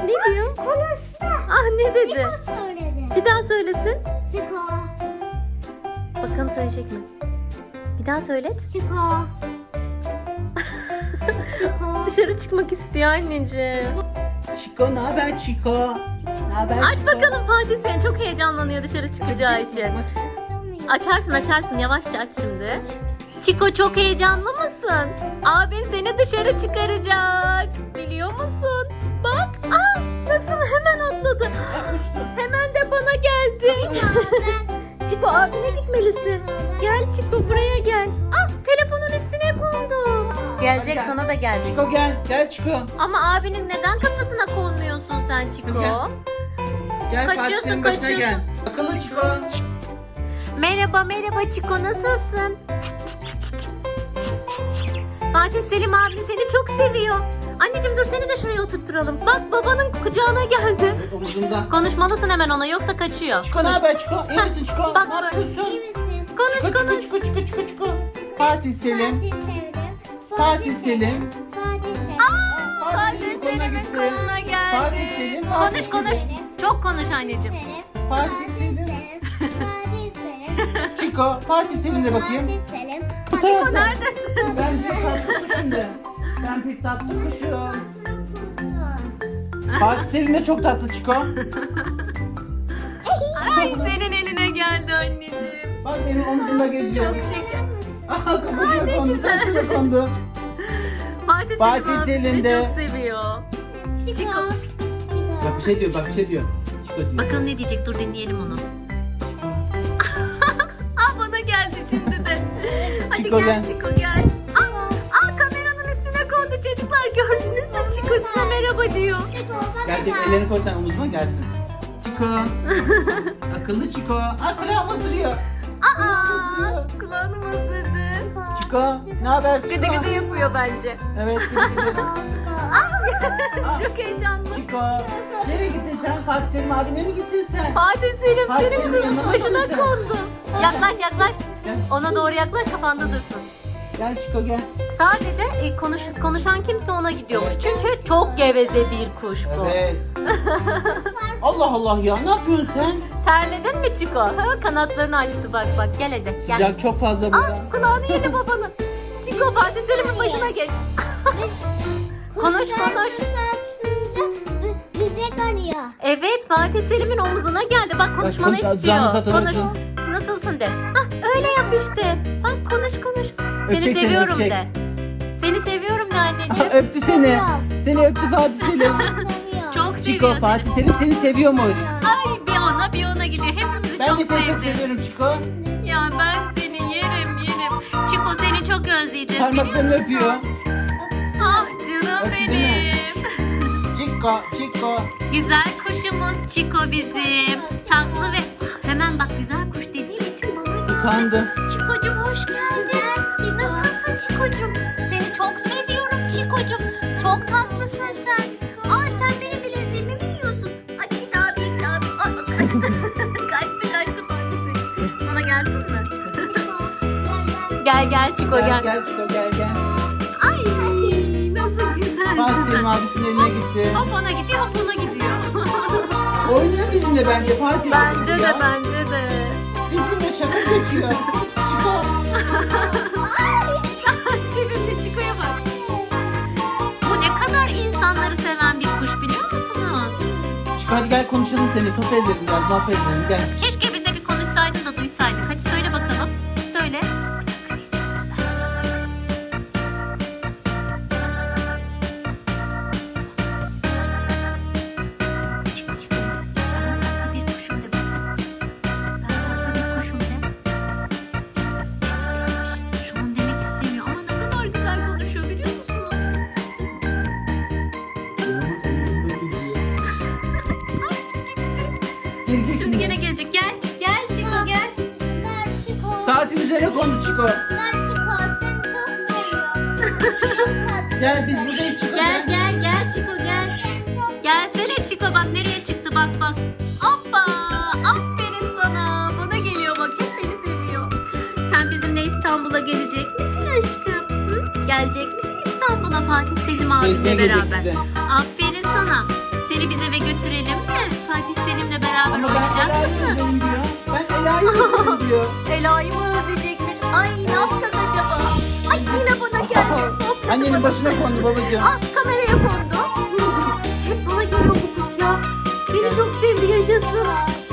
Ne diyor? Konuştu. Ah ne dedi? Çiko söyledi. Bir daha söylesin. Çiko. Bakalım söyleyecek mi? Bir daha söyle. Çiko. Çiko. Dışarı çıkmak istiyor anneciğim. Çiko ne haber Çiko? Ne haber Aç Çiko? bakalım Fatih, sen çok heyecanlanıyor dışarı çıkacağı için. Açarsın yavaşça aç şimdi. Çiko çok heyecanlı mısın? Abin seni dışarı çıkaracak. Biliyor musun? Bak nasıl hemen atladı. Uçtu. Hemen de bana geldi. Çiko abine gitmelisin. Gel Çiko buraya gel. Telefonun üstüne kondu. Gelecek, Gel. sana da gelecek. Çiko gel Çiko. Ama abinin neden kafasına konmuyorsun sen Çiko? Gel. Gel Fatih Kaçıyorsun, senin başına gel. kaçıyorsun. Akıllı Çiko. Merhaba Çiko, nasılsın? Fatih Selim abi seni çok seviyor. Anneciğim dur, seni de şuraya oturtturalım. Bak babanın kucağına geldi. Omuzunda. Konuşmalısın hemen ona, yoksa kaçıyor. Çiko ne haber Çiko? İyi misin Çiko? Bak, Ne yapıyorsun? İyi misin? Konuş Çiko konuş. Çiko. Fatih Selim. Fatih Selim. Fatih Selim. Fatih Selim. Fatih Selim koluna Selim'in gitti. koluna geldi. Fatih Selim. Fatih Konuş Selim. çok konuş anneciğim. Fatih Selim. Fatih Selim. Çiko. Fatih Selim de bakayım. Fatih Selim. Çiko neredesin? Ben bir tatlı kuşum de. Ben bir tatlı kuşum. Fatih Selim de çok tatlı Çiko. Ay senin eline geldi anneciğim. Bak benim omzumda geziyor. Çok şeker. Aha kafasına kondu, saçına kondu. Fatih Fatih Selim abi Selim seni de- çok seviyor. Çiko. Bak bir şey diyor. Çiko diyor. Bakalım ne diyecek, dur dinleyelim onu. Bana geldi şimdi de. Hadi Çiko gel gel. Çiko gel. Kameranın üstüne kondu çocuklar, gördünüz mü? Çiko size merhaba diyor. Gelecek, ellerini koy sen omuzuma gelsin. Çiko. Akıllı Çiko. Kulağımı ısırıyor. Kulağını mı ısırdı? Çiko. Ne haber Çiko? Gıdı gıdı yapıyor bence. Evet gıdı gıdı. Çok heyecanlı. Çiko. Nereye gittin sen? Fatih Selim abine mi gittin sen? Fatih Selim Fatih senin Selim yanına başına mısın? kondu. Yaklaş. Gel. Ona doğru yaklaş, kafanda dursun. Gel Çiko gel. Sadece konuşan kimse ona gidiyormuş. Çünkü çok geveze bir kuş bu. Evet. Allah Allah ya, ne yapıyorsun sen? Terledin mi Çiko? Kanatlarını açtı bak gel hadi. Gel. Sıcak çok fazla burada. Kulağını yedi babanın. Çiko Fatih Selim'in başına geç. Konuş. Bize kanıyor. Evet, Fatih Selim'in omuzuna geldi. Bak konuşmanı konuş, istiyor. canım zaten Konuş. öptüm. Nasılsın de. Öyle yap işte. Bak konuş. Seni Öpecek seni, seviyorum öpecek. de. Seni seviyorum de anneciğim. Öptü seni. Seni öptü Fatih Selim. Seviyor. Çok seviyor Çiko, seni. Fatih Selim seni seviyormuş. Ay bir ona gidiyor. Hepimizi Ben çok de seni çok sevdi. seviyorum Çiko. Ya ben seni yerim. Çiko seni çok özleyeceğiz. Parmaklarını biliyor musun? öpüyor. Ah canım Öptü değil mi? benim. Çiko. Güzel kuşumuz Çiko bizim. Tatlı ve hemen bak güzel kuş dediğim için bana geldi. Utandı. Çikocuğum hoş geldin. Nasılsın Çikocuğum? Seni çok seviyorum Çikocuğum. Çok tatlısın sen. Sen benim bileziğimi mi yiyorsun? Hadi bir daha. Kaçtı. kaçtı Fatih Selim. Sana gelsin mi? Gel Çiko gel. Gel Çiko gel. Ay nasıl güzel. Fatih Selim abisinin eline gitti. Hop ona gidiyor, hop ona gidiyor. Oynuyor bizimle bence Fatih. bence ya. de. Bizimle şaka geçiyor. Çiko. Sevimli Çiko'ya bak. Bu ne kadar insanları seven bir kuş biliyor musunuz? Çiko hadi gel konuşalım seninle. Sohbet edelim biraz. Muhabbet edelim. Gel. Keşke bize bir konuşsaydın da duysaydık. Hadi söyle bakalım. Söyle. Çiko. Ben tatlı bir kuşum de bakayım. Ben tatlı bir kuşum de. Şu an demek istemiyor ama ne kadar güzel konuşuyor biliyor musunuz? Gelecek Şimdi gene gelecek. Gel Çiko gel. Saatin üzerine kondu Çiko. Gel biz buradayız Çiko. Gel Çiko gel. Gelsene Çiko, bak nereye çıktı bak. Hoppa, aferin sana. Bana geliyor bak, hep beni seviyor. Sen bizimle İstanbul'a gelecek misin aşkım? Gelecek misin İstanbul'a Fatih Selim abimle Gezmeye gelecek beraber? bize. Aferin sana. Seni bize istiyor. Ela'yı mı özleyecekmiş? Ay ne yapsak acaba? Ay yine bana geldi. Hop, Annenin başına kondu babacığım. Ah kameraya kondu. Hep bana geliyor bu kuş ya. Beni çok sevdi, yaşasın.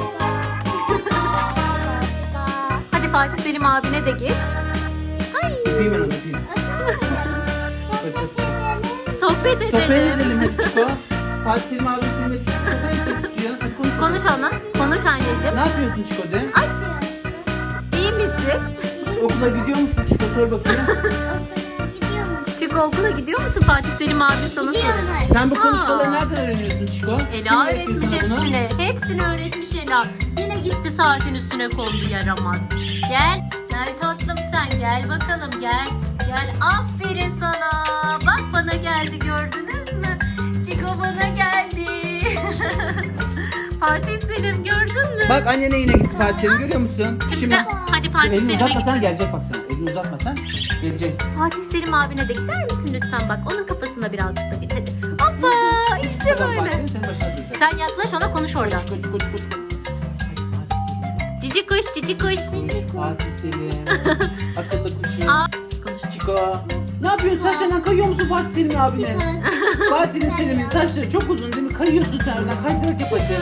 Hadi Fatih Selim abine de git. Ay Öpeyim ben onu öpeyim. Öp, öp. sohbet edelim. Sohbet edelim hadi Çiko. Fatih Selim abi seninle sohbet etmek istiyor. Hadi konuş. Konuş ana. Konuş anneciğim. Ne yapıyorsun Çiko de? İyi misin? Okula gidiyormuş mu Çiko? Sor bakayım. Çık okula gidiyor musun? Fatih Selim abi sana soruyor. Sen bu konuşmaları Aa. nereden öğreniyorsun Çiko? Ela Kim öğretmiş sana bunu? hepsini. Hepsini öğretmiş Ela. Yine gitti saatin üstüne kondu yaramaz. Gel. Gel tatlım sen gel bakalım gel. Gel aferin sana. Bak bana geldi gördünüz mü? Çiko bana geldi. Fatih Selim gördün mü? Bak annene yine gitti Fatih Selim görüyor musun? Şimdi hadi Fatih Elini Selim'e uzatmasan git. gelecek bak sana. Elini uzatmasan gelecek. Fatih Selim abine de gider misin lütfen bak. Onun kafasına birazcık da git hadi. Hoppa işte Tamam böyle. Fatih senin başına duracak. Sen yaklaş ona konuş oradan. Çiko Çiko Çiko Çiko. Cici kuş cici kuş. Fatih Selim. Akıllı kuşum. Aa, konuş. Çiko. Ne yapıyorsun? Saçlarından kayıyor musun Fatih Selim abine? Fatih Selim'in saçları çok uzun değil mi? Kayıyorsun sen oradan. Kaydırak yap hadi.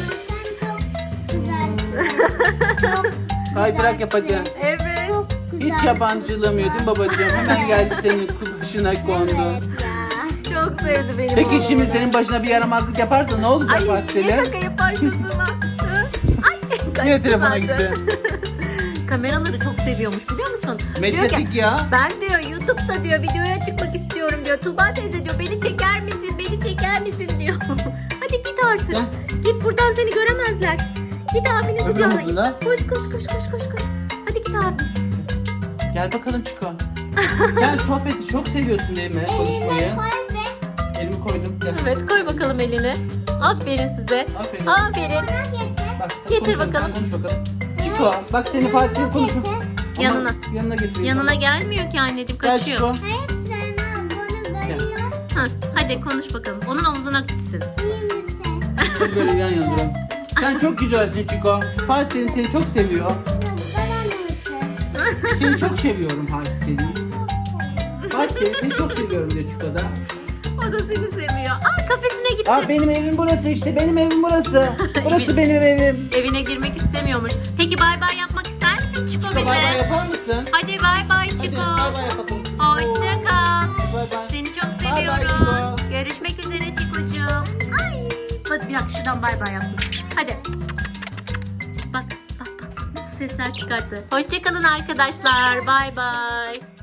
Kaydırak yap hadi. Evet. Çok güzel. Hiç yabancılamıyor değil mi babacığım? Hemen geldi senin kuşuna kondu. Evet ya. Çok sevdi benim Peki oğlum. şimdi senin başına bir yaramazlık yaparsa ne olacak Ay Fatih niye Selim? kaka yaparsın sana? Hı? Ay Yine kaçtı telefona zaten. gitti. Kameraları çok seviyormuş biliyor musun? Diyor ki, Medyatik ya. ben diyor YouTube'da diyor videoya çıkmak istiyorum diyor. Tuğba teyze diyor beni çeker misin? Beni çeker misin diyor. Hadi git artık. Gel. Git buradan seni göremezler. Git abinin Öbür kucağına git. omuzuna. Koş koş koş koş koş koş. Hadi git abi. Gel bakalım Çiko. Sen sohbeti çok seviyorsun değil mi? Konuşmayı. Elimi koydum. Gel. Evet koy bakalım elini. Aferin size. Aferin. Aferin. Bak, hadi Getir konuşalım, bakalım. sen Konuş bakalım. Çiko bak seni Fatih Selim konuşma. Ama Yanına. Yanına getir. Yanına gelmiyor ki anneciğim Gel kaçıyor. Çiko. Hayır sen bunu görüyor. Ha, hadi konuş bakalım. Onun omzuna gitsin. İyi misin? Hadi böyle yan yana duralım. Sen çok güzelsin Çiko. Fatih Selim seni çok seviyor. Bana mısın? Seni çok seviyorum Fatih Selim. Fatih Selim seni çok seviyorum diyor Çiko da. O da seni seviyor. Aa kafesine gitti. Aa benim evim burası işte. Benim evim burası. Burası benim evim. Evine girmek istemiyormuş. Peki bay bay yapmak ister misin Çiko Çiko bize? bay bay yapar mısın? Hadi bay bay Hadi Çiko. bay bay yapalım. Hoşça kal. Bay bay. Seni çok Bay bay seviyoruz. Çiko. Görüşmek üzere Çikocuğum. Ay. Bak bir dakika şuradan bay bay yapsın. Hadi. Bak bak bak nasıl sesler çıkarttı. Hoşça kalın arkadaşlar. Bay bay.